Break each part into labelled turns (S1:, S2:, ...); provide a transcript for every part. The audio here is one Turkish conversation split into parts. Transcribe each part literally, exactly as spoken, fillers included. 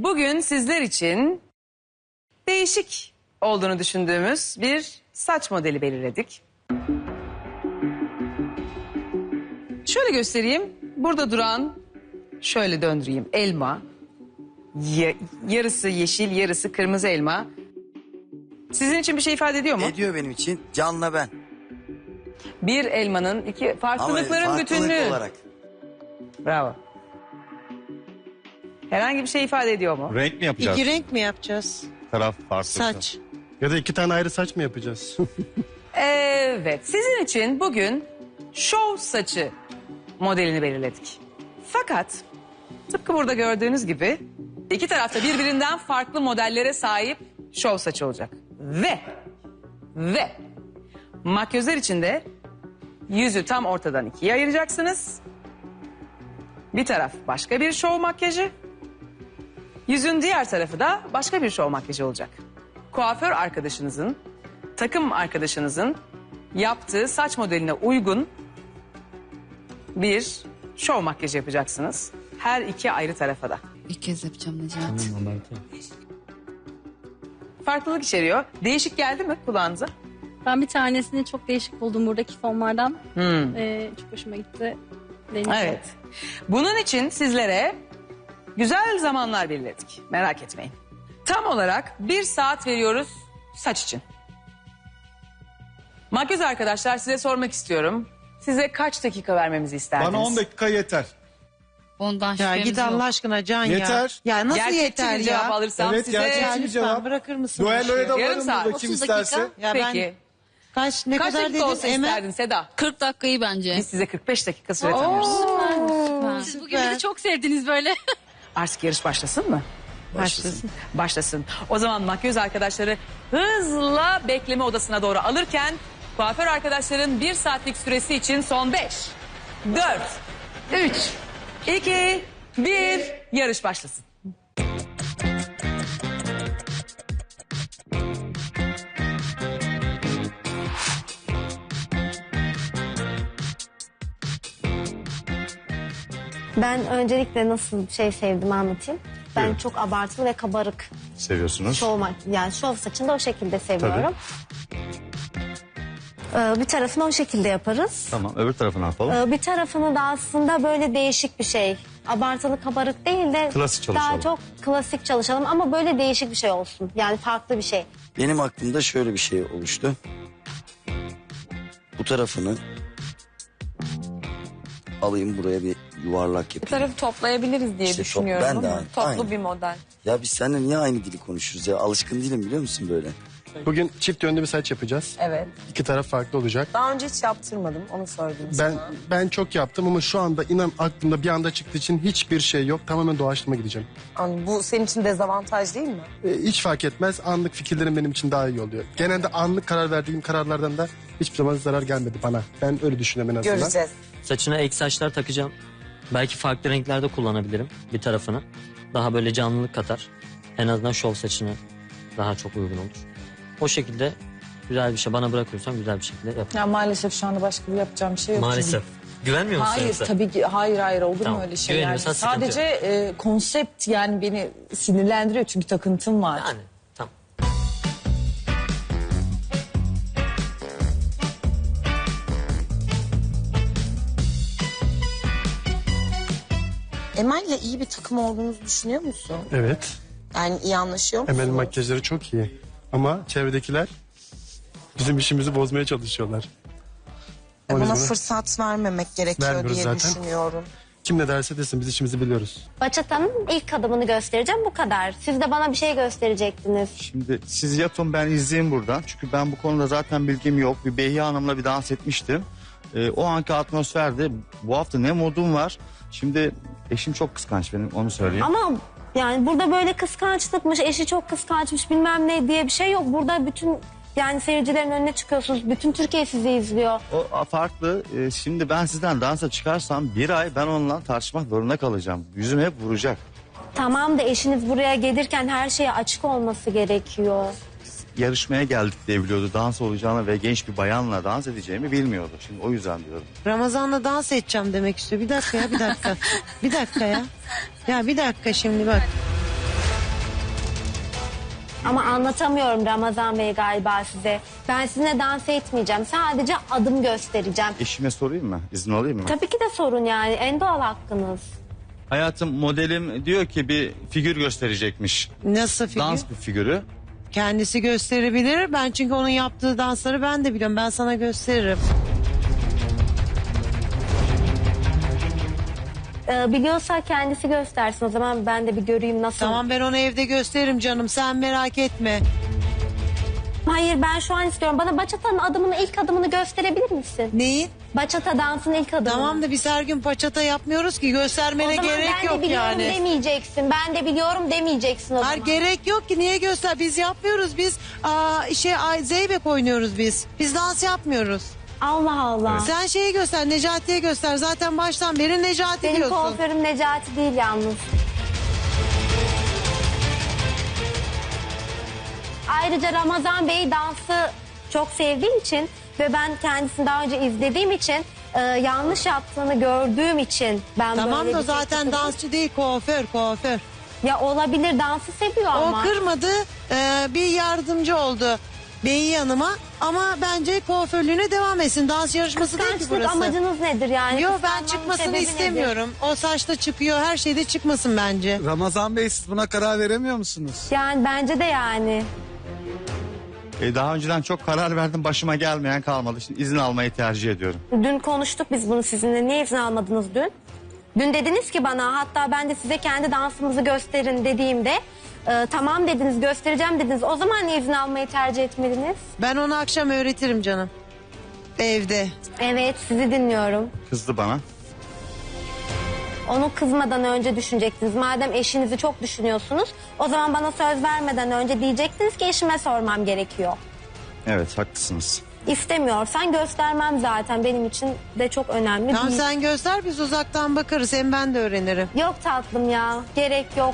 S1: bugün sizler için değişik olduğunu düşündüğümüz bir saç modeli belirledik. Şöyle göstereyim. Burada duran, şöyle döndüreyim, elma. Ya, yarısı yeşil, yarısı kırmızı elma. Sizin için bir şey ifade ediyor mu?
S2: Ediyor benim için. Can'la ben.
S1: Bir elmanın iki farklılıkların
S2: Ama
S1: bütünlüğü.
S2: farklılık olarak.
S1: Bravo. Herhangi bir şey ifade ediyor mu?
S3: Renk mi yapacağız?
S4: İki renk mi yapacağız?
S3: Taraf farklı.
S4: Saç.
S5: Ya da iki tane ayrı saç mı yapacağız?
S1: Evet, sizin için bugün şov saçı modelini belirledik. Fakat tıpkı burada gördüğünüz gibi iki tarafta birbirinden farklı modellere sahip şov saçı olacak. Ve ve makyözler için de yüzü tam ortadan ikiye ayıracaksınız. Bir taraf başka bir şov makyajı, yüzün diğer tarafı da başka bir şov makyajı olacak. Kuaför arkadaşınızın, takım arkadaşınızın yaptığı saç modeline uygun bir şov makyajı yapacaksınız. Her iki ayrı tarafa da.
S6: İlk kez yapacağım Necati.
S1: Farklılık içeriyor. Değişik geldi mi kulağınıza?
S7: Ben bir tanesini çok değişik buldum buradaki fonlardan.
S1: Hmm.
S7: Ee, çok hoşuma gitti. Deneyeceğim.
S1: Evet. Bunun için sizlere güzel zamanlar belirledik. Merak etmeyin. Tam olarak bir saat veriyoruz saç için. Makyöz arkadaşlar, size sormak istiyorum. Size kaç dakika vermemizi isterdiniz?
S3: Bana on dakika yeter.
S6: Ondan
S4: Ya
S6: şüphemiz
S4: git
S6: yok.
S4: Allah aşkına Can ya.
S3: Yeter.
S4: Ya nasıl
S1: Gerçekçi
S4: yeter
S1: bir cevap
S4: ya?
S1: alırsam
S3: Evet,
S1: size...
S3: gerçekçi.
S4: Ya
S3: bir
S4: lütfen
S3: cevap.
S4: bırakır mısın?
S3: Duelloya da
S1: Yarım
S3: varım
S1: saat,
S3: burada kim
S6: otuz dakika.
S3: isterse.
S4: Ya ben
S1: Peki.
S4: kaç ne
S1: Kaç
S4: kadar
S1: dakika olsa
S4: dedin Emel?
S1: isterdin Seda?
S6: kırk dakikayı bence.
S1: Biz size kırk beş dakika süre tanıyoruz.
S6: Süper.
S7: Siz bugün beni çok sevdiniz böyle.
S1: Artık yarış başlasın mı?
S4: Başlasın.
S1: Başlasın. O zaman makyöz arkadaşları hızla bekleme odasına doğru alırken kuaför arkadaşların bir saatlik süresi için son beş, dört, üç, iki, bir yarış başlasın.
S8: Ben öncelikle nasıl bir şey sevdiğimi anlatayım. Ben
S3: Buyurun.
S8: çok abartılı ve kabarık
S3: Seviyorsunuz.
S8: şov, mak- yani şov saçını da o şekilde seviyorum. Ee, bir tarafını o şekilde yaparız.
S3: Tamam, öbür tarafını yapalım.
S8: Ee, bir tarafını da aslında böyle değişik bir şey. Abartılı kabarık değil de
S3: Klasik çalışalım.
S8: daha çok klasik çalışalım ama böyle değişik bir şey olsun. Yani farklı bir şey.
S2: Benim aklımda şöyle bir şey oluştu. Bu tarafını alayım buraya bir yuvarlak
S9: Bir
S2: yapayım.
S9: tarafı toplayabiliriz diye
S2: İşte top-
S9: düşünüyorum
S2: ben de
S9: ama
S2: aynı-
S9: toplu
S2: aynı.
S9: bir model.
S2: Ya biz seninle niye aynı dili konuşuyoruz ya? Alışkın değilim biliyor musun böyle?
S5: Bugün çift yönlü bir saç yapacağız.
S9: Evet.
S5: İki taraf farklı olacak.
S9: Daha önce hiç yaptırmadım, onu söyledim
S5: Ben
S9: sana.
S5: ben çok yaptım ama şu anda inan aklımda bir anda çıktığı için hiçbir şey yok. Tamamen doğaçlama gideceğim.
S9: Yani bu senin için dezavantaj değil mi?
S5: Ee, hiç fark etmez. Anlık fikirlerim benim için daha iyi oluyor. Genelde anlık karar verdiğim kararlardan da hiçbir zaman zarar gelmedi bana. Ben öyle düşünüyorum en azından.
S9: Göreceğiz.
S10: Saçına ek saçlar takacağım. Belki farklı renklerde kullanabilirim bir tarafını. Daha böyle canlılık katar. En azından şov saçına daha çok uygun olur. O şekilde güzel bir şey bana bırakıyorsan güzel bir şekilde yap.
S9: Ya maalesef şu anda başka bir yapacağım bir şey yok.
S10: Maalesef. Güvenmiyor musun
S9: Hayır
S10: yoksa?
S9: tabii ki hayır hayır olur
S10: Tamam,
S9: mu öyle şey yani.
S10: güveniyorsan sıkıntı
S9: Sadece e, konsept yani beni sinirlendiriyor çünkü takıntım var.
S10: Yani tamam.
S9: Emel'le iyi bir takım olduğunuzu düşünüyor musun?
S5: Evet.
S9: Yani iyi anlaşıyor musunuz?
S5: Emel makyajları çok iyi. Ama çevredekiler bizim işimizi bozmaya çalışıyorlar.
S9: E,
S5: Ama biz
S9: buna
S5: bunu-
S9: fırsat vermemek gerekiyor
S5: Vermiyoruz
S9: diye
S5: zaten.
S9: düşünüyorum.
S5: Kim ne derse desin biz işimizi biliyoruz.
S8: Bachata'nın ilk adımını göstereceğim bu kadar. Siz de bana bir şey gösterecektiniz.
S3: Şimdi siz yapın ben izleyeyim buradan. Çünkü ben bu konuda zaten bilgim yok. Bir Behiye Hanım'la bir dans etmiştim. Ee, o anki atmosferde bu hafta ne modum var. Şimdi eşim çok kıskanç benim onu söyleyeyim.
S8: Ama yani burada böyle kıskançlıkmış, eşi çok kıskançmış bilmem ne diye bir şey yok. Burada bütün yani seyircilerin önüne çıkıyorsunuz. Bütün Türkiye sizi izliyor.
S3: O farklı. Ee, şimdi ben sizden dansa çıkarsam bir ay ben onunla tartışmak zorunda kalacağım. Yüzüm hep vuracak.
S8: Tamam da eşiniz buraya gelirken her şeye açık olması gerekiyor.
S3: Yarışmaya geldik diye biliyordu dans olacağını ve genç bir bayanla dans edeceğimi bilmiyordu. Şimdi o yüzden diyorum.
S4: Ramazan'la dans edeceğim demek istiyor. Bir dakika ya bir dakika. bir dakika ya. Ya bir dakika şimdi bak.
S8: Ama anlatamıyorum Ramazan Bey galiba size. Ben sizinle dans etmeyeceğim. Sadece adım göstereceğim.
S3: Eşime sorayım mı? İzin alayım mı?
S8: Tabii ki de sorun yani. En doğal hakkınız.
S3: Hayatım, modelim diyor ki bir figür gösterecekmiş.
S4: Nasıl figür?
S3: Dans bir figürü.
S4: Kendisi gösterebilir. Ben çünkü onun yaptığı dansları ben de biliyorum. Ben sana gösteririm.
S8: Ee, biliyorsa kendisi göstersin. O zaman ben de bir göreyim nasıl.
S4: Tamam, ben onu evde gösteririm canım. Sen merak etme.
S8: Hayır, ben şu an istiyorum. Bana bachata'nın adımını, ilk adımını gösterebilir misin?
S4: Neyi?
S8: Bachata dansın ilk adımı.
S4: Tamam da biz her gün paçata yapmıyoruz ki. Göstermene
S8: O zaman
S4: gerek
S8: ben de
S4: yok
S8: biliyorum
S4: yani.
S8: demeyeceksin. Ben de biliyorum demeyeceksin o
S4: Hayır,
S8: zaman.
S4: gerek yok ki, niye göster? Biz yapmıyoruz, biz aa, şey ay, zeybek oynuyoruz biz. Biz dans yapmıyoruz.
S8: Allah Allah.
S4: Sen şeyi göster, Necati'ye göster. Zaten baştan beri Necati
S8: Benim
S4: diyorsun.
S8: kuaförüm Necati değil yalnız. Ayrıca Ramazan Bey dansı çok sevdiğim için ve ben kendisini daha önce izlediğim için e, yanlış yaptığını gördüğüm için ben
S4: Tamam
S8: böyle
S4: da
S8: bir şey
S4: zaten
S8: tutuldum.
S4: dansçı değil, kuaför, kuaför.
S8: Ya olabilir, dansı seviyor ama.
S4: O kırmadı, e, bir yardımcı oldu Beyi Hanım'a, ama bence kuaförlüğüne devam etsin. Dans yarışması değil ki
S8: Kıskançlık
S4: burası.
S8: amacınız nedir yani?
S4: Yok, ben
S8: Kıskanmanın
S4: çıkmasını
S8: sebebi nedir?
S4: istemiyorum. O saçta çıkıyor, her şeyde çıkmasın bence.
S11: Ramazan Bey, siz buna karar veremiyor musunuz?
S8: Yani bence de yani.
S3: E, daha önceden çok karar verdim, başıma gelmeyen kalmadı. Şimdi izin almayı tercih ediyorum.
S8: Dün konuştuk biz bunu sizinle. Niye izin almadınız dün? Dün dediniz ki bana, hatta ben de size kendi dansımızı gösterin dediğimde e, tamam dediniz, göstereceğim dediniz. O zaman niye izin almayı tercih etmediniz?
S4: Ben onu akşam öğretirim canım. Evde.
S8: Evet, sizi dinliyorum.
S3: Kızdı bana.
S8: Onu kızmadan önce düşünecektiniz. Madem eşinizi çok düşünüyorsunuz, o zaman bana söz vermeden önce diyecektiniz ki eşime sormam gerekiyor.
S3: Evet, haklısınız.
S8: İstemiyorsan göstermem zaten, benim için de çok önemli
S4: Tamam,
S8: değil.
S4: sen göster, biz uzaktan bakarız. Hem ben de öğrenirim.
S8: Yok tatlım ya, gerek yok.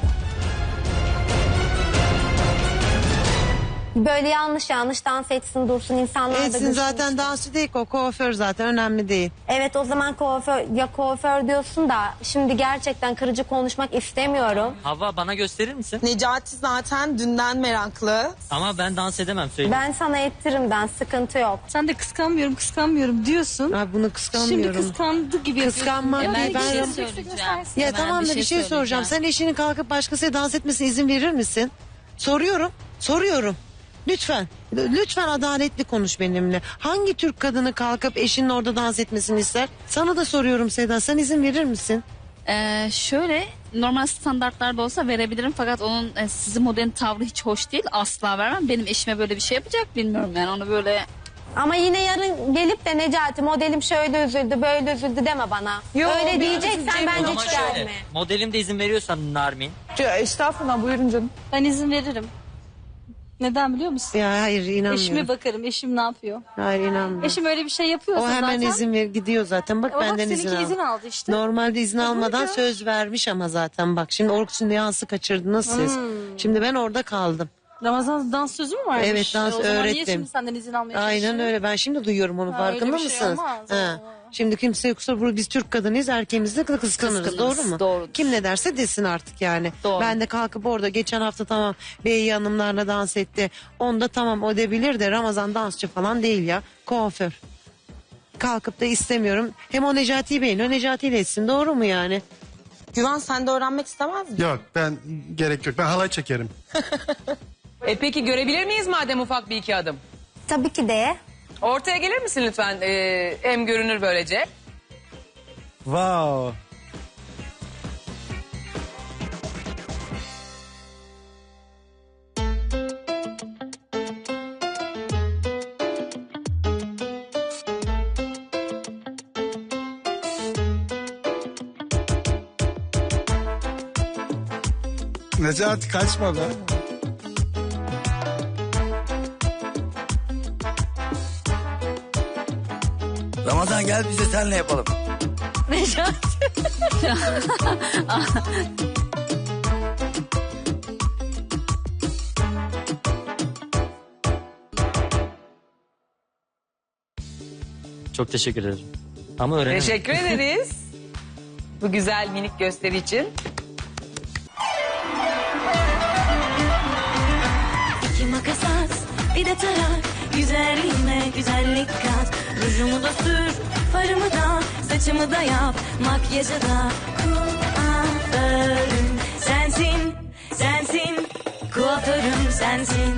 S8: Böyle yanlış yanlış dans etsin dursun, insanlar da
S4: Etsin,
S8: gülsün
S4: zaten
S8: işte.
S4: dansçı değil ki, o kuaför, zaten önemli değil.
S8: Evet, o zaman kuaför, ya kuaför diyorsun da şimdi gerçekten kırıcı konuşmak istemiyorum.
S10: Hava, bana gösterir misin?
S9: Necati zaten dünden meraklı.
S10: Ama ben dans edemem, söyleyeyim.
S8: Ben sana ettiririm, ben sıkıntı yok.
S7: Sen de kıskanmıyorum kıskanmıyorum diyorsun.
S4: Ay, bunu
S7: Şimdi
S4: kıskanmıyorum.
S7: kıskandı gibi yapıyorsun.
S4: Kıskanmak
S6: Hemen
S4: değil.
S6: bir
S4: Ben
S6: şey
S4: Ram-
S6: söyleyeceğim.
S4: Ya
S6: Hemen
S4: tamam da bir şey soracağım. Sen eşinin kalkıp başkasıyla dans etmesine izin verir misin? Soruyorum. Soruyorum. Lütfen. Lütfen adaletli konuş benimle. Hangi Türk kadını kalkıp eşinin orada dans etmesini ister? Sana da soruyorum Seda. Sen izin verir misin?
S6: Ee, şöyle normal standartlarda olsa verebilirim fakat onun e, sizin modelin tavrı hiç hoş değil. Asla vermem. Benim eşime böyle bir şey yapacak bilmiyorum yani onu böyle.
S8: Ama yine yarın gelip de Necati modelim şöyle üzüldü böyle üzüldü deme bana.
S1: Yo,
S8: Öyle
S1: bir
S8: diyeceksen
S1: üzülecek
S8: bence
S10: Ama
S8: hiç
S10: şöyle,
S8: gelme.
S10: modelim de izin veriyorsan Narmin.
S1: Estağfurullah, buyurun canım.
S7: Ben izin veririm. Neden biliyor musun?
S4: Ya hayır, inanmıyorum.
S7: Eşime bakarım. Eşim ne yapıyor?
S4: Hayır, inanmıyorum.
S7: Eşim öyle bir şey yapıyorsa
S4: O hemen
S7: zaten.
S4: izin ver, gidiyor zaten. Bak
S7: O bak
S4: benden
S7: seninki
S4: izin al.
S7: izin aldı işte.
S4: Normalde izin
S7: E,
S4: almadan
S7: buyurun.
S4: söz vermiş ama zaten bak. Şimdi Orkun Nüans'ı kaçırdınız siz.
S7: Hmm.
S4: Şimdi ben orada kaldım.
S7: Ramazan dans sözü mü varmış?
S4: Evet, dans
S7: E, o zaman niye
S4: öğrettim.
S7: şimdi senden izin almaya
S4: Aynen
S7: çalışıyor?
S4: öyle. Ben şimdi duyuyorum onu.
S7: Ha,
S4: Farkında
S7: öyle bir şey
S4: mısınız?
S7: olmaz.
S4: Ha.
S7: Aa.
S4: Şimdi kimse yoksa burada biz Türk kadınıyız. Erkeğimizi de kıskanırız.
S6: Kıskanırız,
S4: Doğru mu?
S6: doğrudur.
S4: Kim ne derse desin artık yani.
S6: Doğru.
S4: Ben de kalkıp orada geçen hafta tamam Bey Hanımlarla dans etti. Onda tamam o debilir de Ramazan dansçı falan değil ya. Kuaför. Kalkıp da istemiyorum. Hem o Necati'yi beğeniyor. Necati ile etsin. Doğru mu yani?
S9: Güven, sen de öğrenmek istemez misin?
S5: Yok, ben gerek yok. Ben halay çekerim.
S1: E peki görebilir miyiz madem ufak bir iki adım?
S8: Tabii ki de.
S1: Ortaya gelir misin lütfen? Ee, hem görünür böylece.
S11: Wow. Necati, kaçma be.
S2: Ramazan gel biz de seninle yapalım.
S10: Çok teşekkür ederim. Ama öğrenemem.
S1: Teşekkür ederiz. Bu güzel minik gösteri için.
S12: bir de tarak. Güzelliğime güzellik kat. Rujumu da sür, farımı da, saçımı da yap, makyajı da. Kuaförüm sensin, sensin. Kuaförüm sensin.